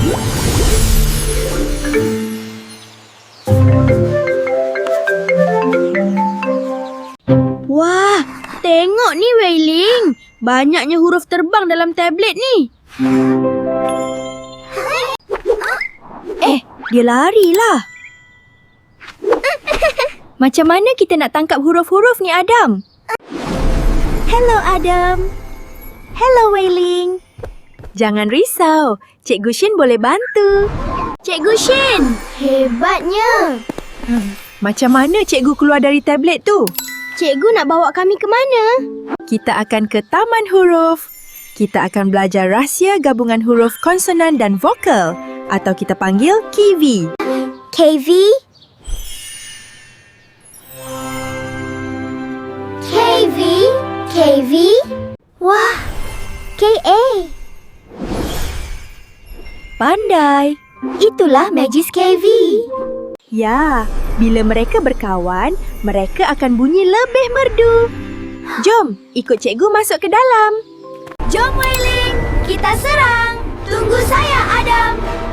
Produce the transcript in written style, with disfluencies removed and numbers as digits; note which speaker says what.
Speaker 1: Wah, tengok ni Wei-Ling. Banyaknya huruf terbang dalam tablet ni. Dia larilah. Macam mana kita nak tangkap huruf-huruf ni, Adam?
Speaker 2: Hello, Adam. Hello, Wei-Ling.
Speaker 1: Jangan risau. Cikgu Shin boleh bantu. Cikgu Shin!
Speaker 2: Hebatnya.
Speaker 1: Macam mana cikgu keluar dari tablet tu?
Speaker 2: Cikgu nak bawa kami ke mana?
Speaker 1: Kita akan ke Taman Huruf. Kita akan belajar rahsia gabungan huruf konsonan dan vokal. Atau kita panggil KV.
Speaker 2: KV? KV? KV? Wah, KA.
Speaker 1: Pandai.
Speaker 2: Itulah Magis KV.
Speaker 1: Ya, bila mereka berkawan, mereka akan bunyi lebih merdu. Jom, ikut cikgu masuk ke dalam.
Speaker 2: Jom, Wei-Ling. Kita serang. Tunggu saya, Adam.